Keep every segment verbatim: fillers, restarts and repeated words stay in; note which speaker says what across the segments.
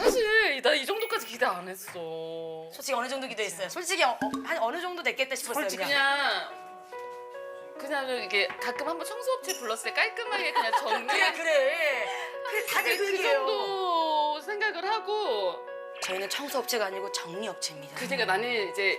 Speaker 1: 사실 나 이 정도까지 기대 안 했어.
Speaker 2: 솔직히 어느 정도 기도했어요. 솔직히 어, 한 어느 정도 됐겠다 싶었어요.
Speaker 1: 솔직히
Speaker 2: 그냥.
Speaker 1: 그냥 그냥 이게 가끔 한번 청소업체 불렀을 때 깔끔하게 그냥 정리.
Speaker 2: 그래 그래. 그래 다들 그
Speaker 1: 그
Speaker 2: 얘기예요.
Speaker 1: 정도 생각을 하고.
Speaker 2: 저희는 청소업체가 아니고 정리업체입니다.
Speaker 1: 그러니까 나는 이제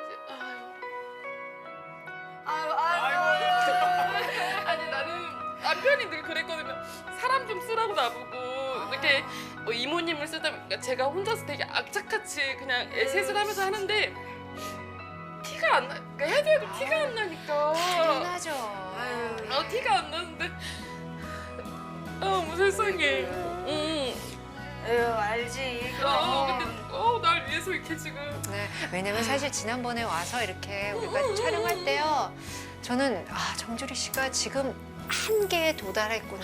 Speaker 2: 아유 아유.
Speaker 1: 아니 나는 남편이 늘 그랬거든요. 사람 좀 쓰라고 나보고 이렇게 뭐 이모님을 쓰다 보니까 제가 혼자서 되게 악착같이 그냥 애셋을 하면서 하는데 티가 안 나. 그러니까 해도 해도 티가 안 나니까.
Speaker 3: 당연하죠.
Speaker 2: 아유.
Speaker 1: 아 티가 안 나는데. 아 세상에. 응.
Speaker 2: 에휴 알지.
Speaker 1: 어
Speaker 2: 그럼.
Speaker 1: 근데 어날 위해서 이렇게 지금.
Speaker 3: 네, 왜냐면 사실 지난번에 와서 이렇게 우리가 촬영할 때요. 저는 아 정주리 씨가 지금 한계에 도달했구나.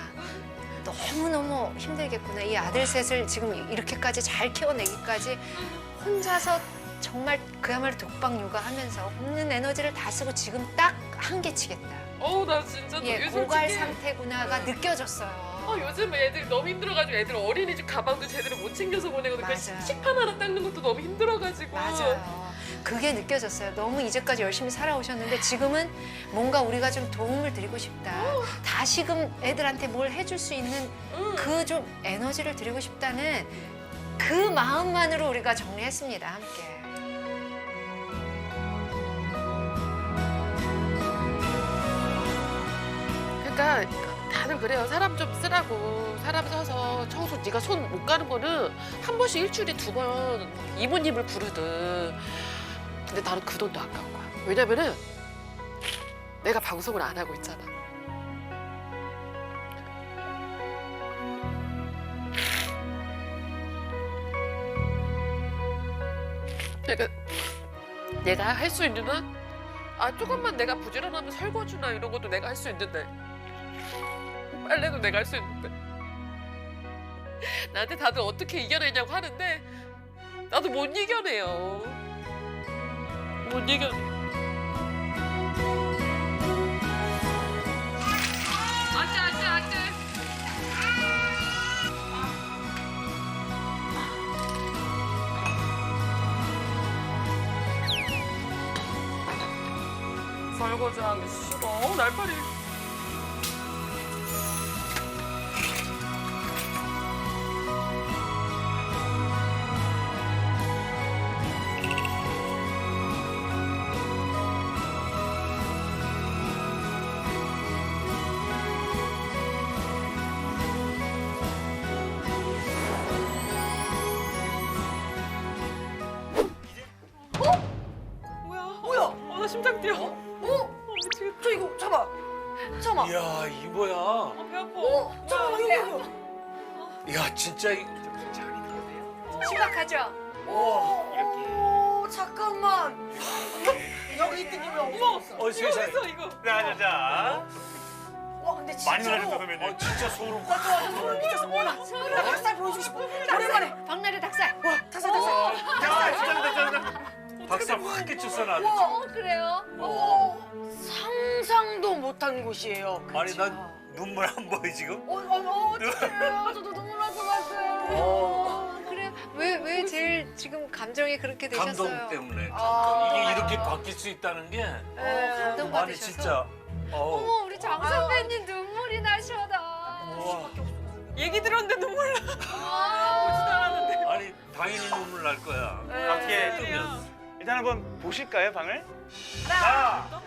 Speaker 3: 너무너무 힘들겠구나. 이 아들 셋을 지금 이렇게까지 잘 키워내기까지 혼자서 정말 그야말로 독박 육아하면서 없는 에너지를 다 쓰고 지금 딱 한계치겠다.
Speaker 1: 어우 나 진짜
Speaker 3: 예,
Speaker 1: 요즘
Speaker 3: 고갈
Speaker 1: 솔직히-
Speaker 3: 상태구나가 느껴졌어요.
Speaker 1: 어, 요즘 애들 너무 힘들어가지고 애들 어린이집 가방도 제대로 못 챙겨서 보내거든요. 그
Speaker 3: 맞아요.
Speaker 1: 식판 하나 닦는 것도 너무 힘들어가지고.
Speaker 3: 맞아요. 그게 느껴졌어요. 너무 이제까지 열심히 살아오셨는데 지금은 뭔가 우리가 좀 도움을 드리고 싶다. 다시금 애들한테 뭘 해줄 수 있는
Speaker 1: 응.
Speaker 3: 그 좀 에너지를 드리고 싶다는 그 마음만으로 우리가 정리했습니다. 함께.
Speaker 1: 그러니까 다들 그래요. 사람 좀 쓰라고. 사람 써서 청소 네가 손 못 가는 거는 한 번씩 일주일에 두 번 이모님을 부르든. 근데 나는 그 돈도 아까운 거야. 왜냐면은 내가 방송을 안 하고 있잖아. 그러니까 내가 할 수 있는 한 아 조금만 내가 부지런하면 설거지나 이런 것도 내가 할 수 있는데 빨래도 내가 할 수 있는데 나한테 다들 어떻게 이겨내냐고 하는데 나도 못 이겨내요. 못 이겨내. 안돼 안돼 안돼. 설거지하기 싫어. 어, 날파리. 뭐야?
Speaker 2: 뭐야?
Speaker 1: 어, 나 심장 뛰어.
Speaker 2: 어?
Speaker 1: 어, 미치겠다.
Speaker 2: 저 이거 잠깐. 잠깐.
Speaker 4: 이야 이 뭐야?
Speaker 1: 어, 배 아파.
Speaker 2: 어? 잠깐 이거 이거.
Speaker 4: 야 진짜 이...
Speaker 3: 심각하죠?
Speaker 2: 오. 이렇게. 잠깐만. 여기 있던 게 왜 없어?
Speaker 4: 어
Speaker 1: 이거
Speaker 4: 세상에.
Speaker 1: 있어 이거.
Speaker 5: 자자자
Speaker 2: 와 근데 진짜.
Speaker 5: 많이 놀라셨다 선배님.
Speaker 4: 어 진짜 소름.
Speaker 2: 나 좋아, 소름 끼쳤어. 와, 나, 나 닭살 보여주고 싶어. 오랜만에.
Speaker 3: 박나래 닭살.
Speaker 2: 와, 닭살, 닭살.
Speaker 5: 야 진짜 진짜
Speaker 4: 박살 확 끼쳤어 나도.
Speaker 3: 어, 그래요?
Speaker 2: 어, 상상도 못한 곳이에요.
Speaker 4: 아니 난 눈물 안 보여 지금.
Speaker 2: 어, 어, 어, 어떡해요. 저도 눈물 날 것 같아요.
Speaker 3: 어, 그래요? 왜, 왜 제일 지금 감정이 그렇게 되셨어요?
Speaker 4: 감동 때문에.
Speaker 2: 아.
Speaker 4: 이게 이렇게 바뀔 수 있다는 게.
Speaker 3: 어, 감동
Speaker 4: 아니
Speaker 3: 받으셔서.
Speaker 4: 진짜. 어.
Speaker 3: 어머, 우리 장 선배님 눈물이 나셔다.
Speaker 4: 와.
Speaker 1: 얘기 들었는데 눈물 나.
Speaker 3: 아,
Speaker 4: 아니 당연히 눈물 날 거야.
Speaker 5: 어떻게
Speaker 4: 뜨면.
Speaker 5: 일단 한번 보실까요 방을? 하나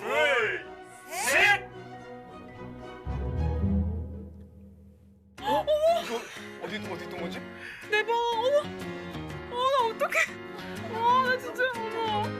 Speaker 5: 둘셋 어? 이거 어디 있던 어디 있던 거지?
Speaker 1: 내 방. 어머. 어, 나 어떡해. 와, 나 진짜 어머.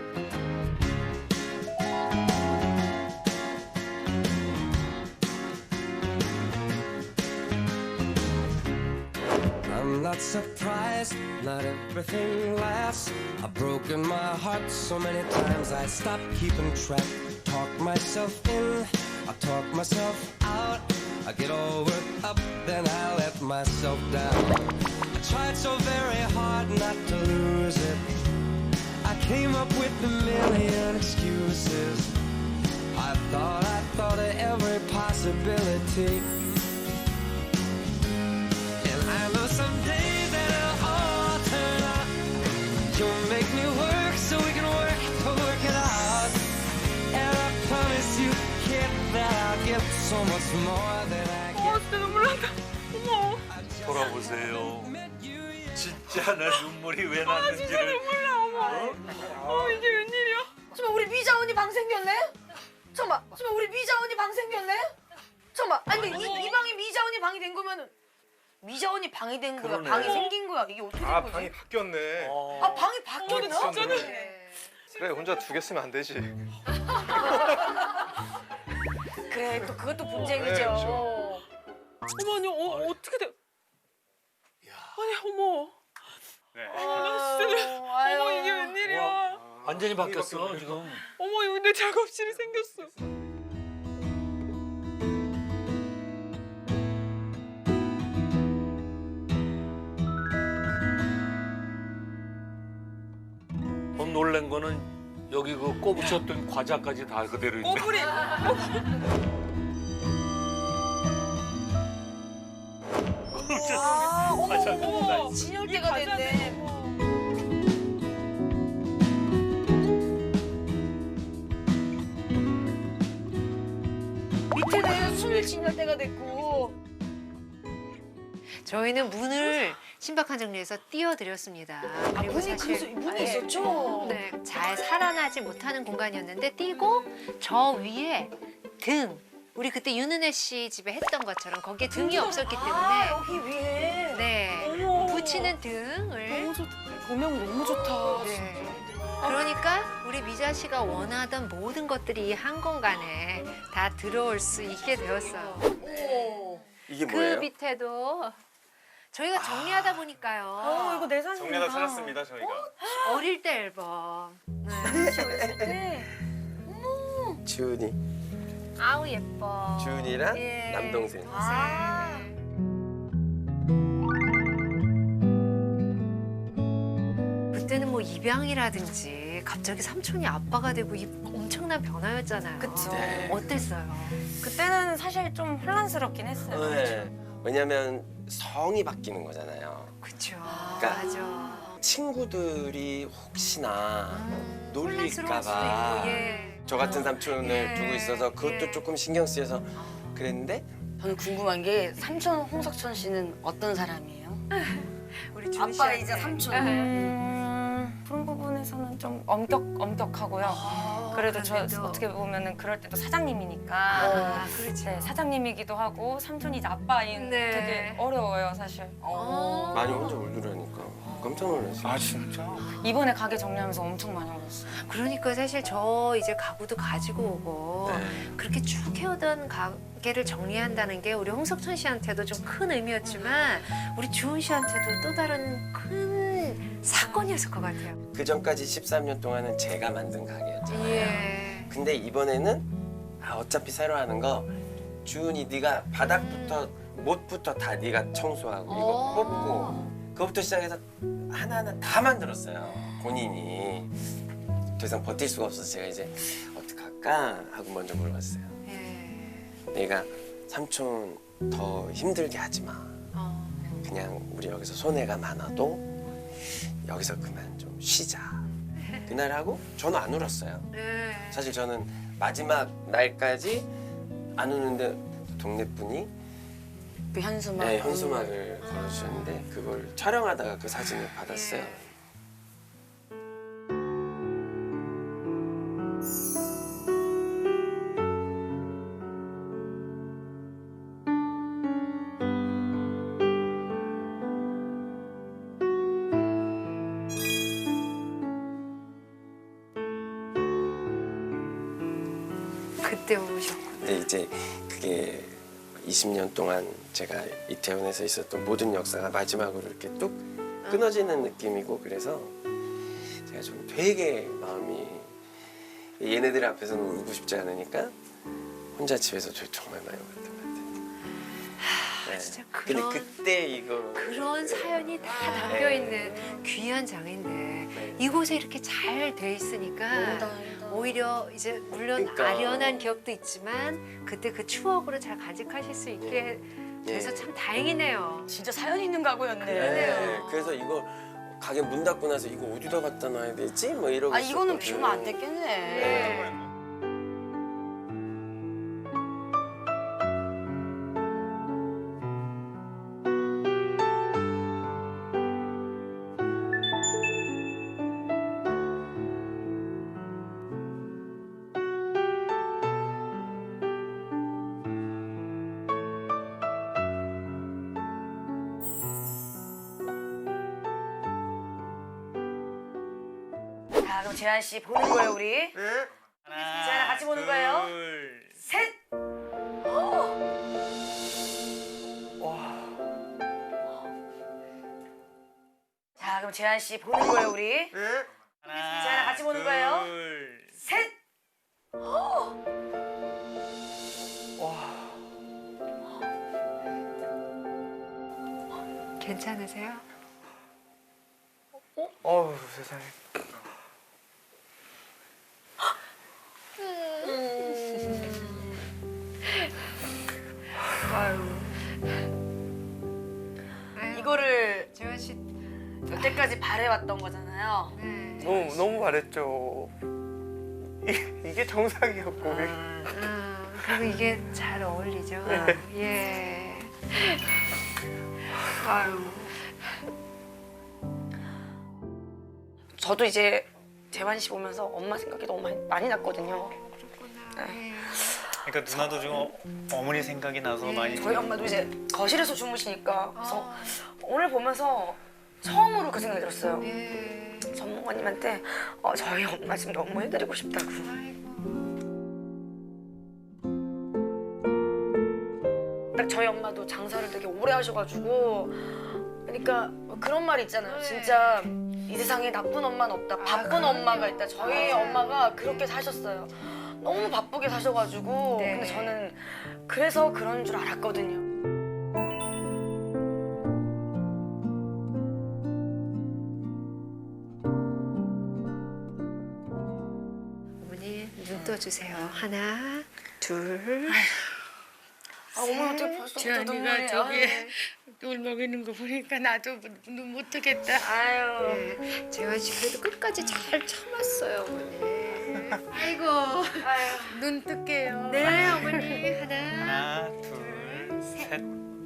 Speaker 6: I'm not surprised, not everything lasts. I've broken my heart so many times I stopped keeping track. Talk myself in, I talk myself out. I get all worked up, then I let myself down. I tried so very hard not to lose it. I came up with a million excuses. I thought, I thought of every possibility. And I know someday that so much more than I get.
Speaker 2: 어, 진짜 눈물 난다. 어머.
Speaker 4: 돌아보세요. 진짜 내 눈물이 왜 났는지를.
Speaker 2: 눈물 나, 어머. 어, 이게 웬일이야?
Speaker 7: 잠깐만 우리 미자 언니 방 생겼네? 잠깐만 잠깐만 우리 미자 언니 방 생겼네? 잠깐만 아니 근데 이, 이 방이 미자 언니 방이 된 거면은 미자 언니 방이 된 거야?
Speaker 4: 그러네.
Speaker 7: 방이 생긴 거야? 이게 어떻게 된
Speaker 5: 아
Speaker 7: 거지?
Speaker 5: 방이 바뀌었네.
Speaker 4: 어.
Speaker 7: 아 방이 바뀌었나?
Speaker 3: 네.
Speaker 5: 그래 혼자 두 개 쓰면 안 되지.
Speaker 7: 그래 또 그것도
Speaker 5: 네,
Speaker 7: 분쟁이죠.
Speaker 5: 그렇죠.
Speaker 2: 어머, 아니, 어, 어떻게 돼? 아니, 어머.
Speaker 5: 네.
Speaker 2: 아, 나 진짜. 어머, 이게 웬일이야?
Speaker 4: 완전히 바뀌었어 지금.
Speaker 2: 어머, 여기 내 작업실이 생겼어.
Speaker 4: 더 놀란 거는 여기 그 꼽으셨던 과자까지 다 그대로 있네.
Speaker 2: 꼬부리.
Speaker 7: 아 어머
Speaker 4: 과자
Speaker 7: 어머
Speaker 4: 다
Speaker 7: 어머 진열대가 됐네. 밑에는 술 진열대가 됐고.
Speaker 3: 저희는 문을 신박한 정리해서 띄워드렸습니다.
Speaker 7: 아
Speaker 3: 그리고
Speaker 7: 문이 그래서
Speaker 3: 사실
Speaker 7: 문이
Speaker 3: 네.
Speaker 7: 있었죠?
Speaker 3: 네, 잘 살아나지 못하는 공간이었는데 띄고 저 위에 등 우리 그때 윤은혜 씨 집에 했던 것처럼 거기에 등이 없었기
Speaker 7: 아
Speaker 3: 때문에
Speaker 7: 여기 위에.
Speaker 3: 네
Speaker 2: 어머.
Speaker 3: 붙이는 등을
Speaker 2: 너무 좋다. 조명 너무 좋다.
Speaker 3: 네. 그러니까 우리 미자 씨가 원하던 모든 것들이 이 한 공간에 다 들어올 수 있게 되었어요.
Speaker 7: 오.
Speaker 8: 이게
Speaker 3: 그
Speaker 8: 뭐예요?
Speaker 3: 밑에도 저희가 정리하다
Speaker 7: 어
Speaker 3: 보니까요.
Speaker 7: 이거 내 사진이다.
Speaker 5: 정리하다 찾았습니다 저희가.
Speaker 3: 어릴 때 앨범. 네.
Speaker 7: 네.
Speaker 8: 주은이,
Speaker 3: 아우 예뻐.
Speaker 8: 주은이랑
Speaker 3: 예.
Speaker 8: 남동생.
Speaker 7: 아.
Speaker 3: 그때는 뭐 입양이라든지 갑자기 삼촌이 아빠가 되고 이 엄청난 변화였잖아요.
Speaker 7: 그쵸.
Speaker 8: 네.
Speaker 3: 어땠어요?
Speaker 7: 그때는 사실 좀 혼란스럽긴 했어요.
Speaker 8: 네. 왜냐면 성이 바뀌는 거잖아요.
Speaker 3: 그쵸.
Speaker 8: 그러니까
Speaker 3: 맞아.
Speaker 8: 친구들이 혹시나
Speaker 3: 음, 혼란스러울 수도
Speaker 8: 놀릴까봐
Speaker 3: 있고, 예.
Speaker 8: 저 같은 삼촌을
Speaker 3: 예.
Speaker 8: 두고 있어서 그것도
Speaker 3: 예.
Speaker 8: 조금 신경 쓰여서 그랬는데
Speaker 7: 저는 궁금한 게 삼촌 홍석천 씨는 어떤 사람이에요?
Speaker 3: 우리 준
Speaker 7: 아빠
Speaker 3: 씨한테.
Speaker 7: 이제 삼촌.
Speaker 3: 예.
Speaker 9: 음, 그런 부분에서는 좀 엄격 엄격하고요.
Speaker 3: 어,
Speaker 9: 그래도 저
Speaker 3: 그런데도.
Speaker 9: 어떻게 보면은 그럴 때도 사장님이니까
Speaker 3: 아, 그렇지.
Speaker 9: 네, 사장님이기도 하고 삼촌이 이제 아빠인
Speaker 3: 네.
Speaker 9: 되게 어려워요 사실.
Speaker 3: 어.
Speaker 8: 많이 혼자 울더라니까 깜짝 놀랐어요.
Speaker 5: 아 진짜?
Speaker 9: 이번에 가게 정리하면서 엄청 많이 울었어요.
Speaker 3: 그러니까 사실 저 이제 가구도 가지고 오고
Speaker 8: 네.
Speaker 3: 그렇게 쭉 해오던 가게를 정리한다는 게 우리 홍석천 씨한테도 좀 큰 의미였지만 우리 주은 씨한테도 또 다른 큰 사건이었을 것 같아요.
Speaker 8: 그 전까지 십삼 년 동안은 제가 만든 가게였잖아요.
Speaker 3: 예.
Speaker 8: 근데 이번에는 아, 어차피 새로 하는 거 주은이 네가 바닥부터 못부터 다 네가 청소하고 이거
Speaker 3: 어.
Speaker 8: 뽑고 그거부터 시작해서 하나하나 다 만들었어요. 본인이. 더 이상 버틸 수가 없어서 제가 이제 어떡할까 하고 먼저 물어봤어요.
Speaker 3: 예.
Speaker 8: 내가 삼촌 더 힘들게 하지 마.
Speaker 3: 어.
Speaker 8: 그냥 우리 여기서 손해가 많아도 여기서 그만 좀 쉬자. 그날 하고 저는 안 울었어요.
Speaker 3: 예.
Speaker 8: 사실 저는 마지막 날까지 안 우는데 동네 분이
Speaker 7: 그 현수막.
Speaker 8: 네, 현수막을 걸어주셨는데 그걸 촬영하다가 그 사진을 받았어요.
Speaker 3: 예. 그때 오셨구나.
Speaker 8: 근데 이제 그게 이십 년 동안 제가 이태원에서 있었던 모든 역사가 마지막으로 이렇게 뚝 끊어지는 느낌이고 그래서 제가 좀 되게 마음이 얘네들 앞에서는 울고 싶지 않으니까 혼자 집에서 저 정말 많이 울었던 것 같아요. 네.
Speaker 3: 진짜
Speaker 8: 근데
Speaker 3: 그런
Speaker 8: 그때 이거
Speaker 3: 그런 사연이 다 담겨 있는 귀한 장인데 이곳에 이렇게 잘 돼 있으니까 오히려 이제 물론
Speaker 8: 그러니까.
Speaker 3: 아련한 기억도 있지만 그때 그 추억으로 잘 간직하실 수 있게 돼서
Speaker 8: 예.
Speaker 3: 참 다행이네요.
Speaker 7: 진짜 사연 있는 가구였네.
Speaker 8: 네. 그래서 이거 가게 문 닫고 나서 이거 어디다 갖다 놔야 되지? 뭐 이러고
Speaker 7: 아 이거는
Speaker 8: 있었거든.
Speaker 7: 비우면 안 됐겠네.
Speaker 3: 네.
Speaker 7: 자, 그럼 재한 씨 보는 거예요, 우리.
Speaker 2: 네?
Speaker 7: 재한아 같이 보는 거예요.
Speaker 5: 둘.
Speaker 7: 셋. 자, 그럼 재한 씨 보는 거예요, 우리.
Speaker 2: 네?
Speaker 7: 재한아 같이 보는 거예요.
Speaker 5: 둘.
Speaker 7: 셋.
Speaker 3: 괜찮으세요?
Speaker 5: 어우 세상에.
Speaker 7: 이거를
Speaker 3: 재환 씨.
Speaker 7: 여태까지 바래왔던 거잖아요.
Speaker 3: 네.
Speaker 5: 너무 너무 잘했죠. 이, 이게 정상이었고.
Speaker 3: 음, 그리고 이게 잘 어울리죠. 예. 아유.
Speaker 7: 저도 이제 재환 씨 보면서 엄마 생각이 너무 많이, 많이 났거든요.
Speaker 3: 그렇구나. 예.
Speaker 5: 그러니까 누나도 지금 어, 어머니 생각이 나서
Speaker 3: 네.
Speaker 5: 많이.
Speaker 7: 저희 엄마도 이제 거실에서 주무시니까 그래서
Speaker 3: 아.
Speaker 7: 오늘 보면서 처음으로 그 생각이 들었어요.
Speaker 3: 예.
Speaker 7: 전문가님한테 어, 저희 엄마 지금 너무 해드리고 싶다고.
Speaker 3: 아이고.
Speaker 7: 딱 저희 엄마도 장사를 되게 오래 하셔가지고 그러니까 그런 말 있잖아요.
Speaker 3: 네.
Speaker 7: 진짜 이 세상에 나쁜 엄마는 없다. 바쁜
Speaker 3: 그럼요.
Speaker 7: 엄마가 있다. 저희
Speaker 3: 맞아요.
Speaker 7: 엄마가 그렇게 사셨어요. 너무 바쁘게 사셔가지고
Speaker 3: 네.
Speaker 7: 근데 저는 그래서 그런 줄 알았거든요.
Speaker 3: 어머니 눈 떠주세요. 하나, 둘.
Speaker 7: 아, 어머니 어떻게 벌써
Speaker 1: 재환이가
Speaker 7: 눈물이
Speaker 1: 저기
Speaker 7: 나요?
Speaker 1: 울 먹이는 거 보니까 나도 눈 못 뜨겠다.
Speaker 7: 아유.
Speaker 3: 네. 재환 씨 그래도 끝까지 잘 참았어요, 어머니. 아이고.
Speaker 7: 아유.
Speaker 1: 눈 뜰게요.
Speaker 3: 네, 어머니 하나.
Speaker 5: 하나, 둘, 셋.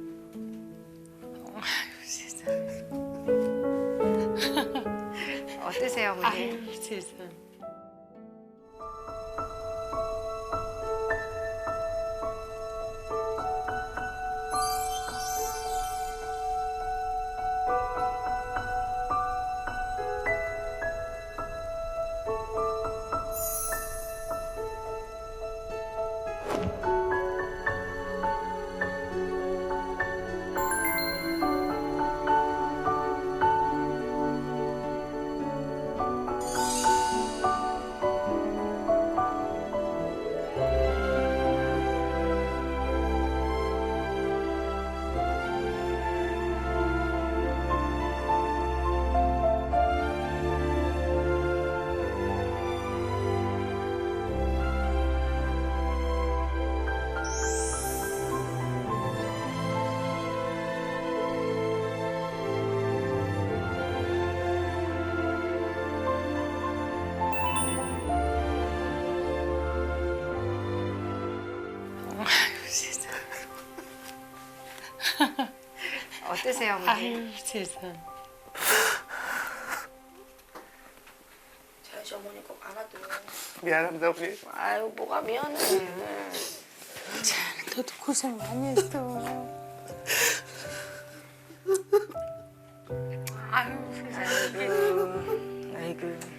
Speaker 1: 아유 세상.
Speaker 3: 어떠세요, 어머니?
Speaker 1: 아유 세상. 아유 세상.
Speaker 3: 어떠세요, 어머니?
Speaker 1: 아유 세상.
Speaker 7: 재환 씨 어머니 꼭 알아도.
Speaker 5: 미안합니다 어머니.
Speaker 7: 아유 뭐가 미안해.
Speaker 1: 너도 고생 많이 했어. 아유 세상.
Speaker 7: 아이고. 아이고.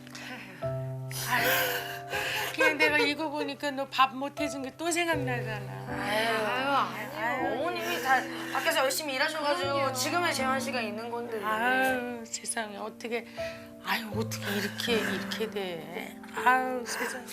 Speaker 1: 그냥 내가 이거 보니까 너 밥 못 해준 게 또 생각나잖아.
Speaker 7: 아유, 아유, 어머님이 다 밖에서 열심히 일하셔가지고 지금의 재환 씨가 있는 건데.
Speaker 1: 아유 세상에 어떻게 아유 어떻게 이렇게 이렇게 돼. 아유 세상.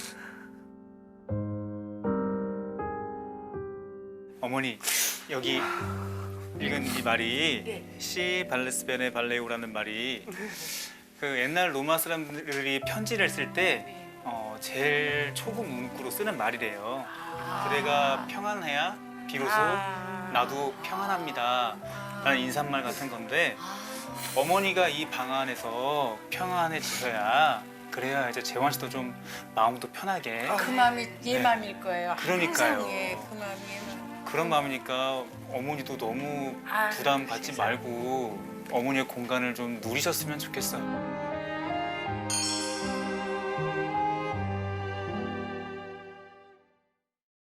Speaker 5: 어머니 여기 읽은 이 말이 시 발레스베네 발레우라는 말이 그 옛날 로마 사람들이 편지를 쓸 때 어, 제일 초급 문구로 쓰는 말이래요. 그대가 평안해야 비로소 나도 평안합니다 라는 인사말 같은 건데 어머니가 이 방 안에서 평안해지셔야 그래야 이제 재환 씨도 좀 마음도 편하게
Speaker 1: 그 마음이 얘 마음일 거예요.
Speaker 5: 그러니까요.
Speaker 1: 항상 얘, 그 마음이 얘 마음.
Speaker 5: 그런 마음이니까 어머니도 너무
Speaker 1: 아유,
Speaker 5: 부담 갖지
Speaker 1: 세상에.
Speaker 5: 말고 어머니의 공간을 좀 누리셨으면 좋겠어요.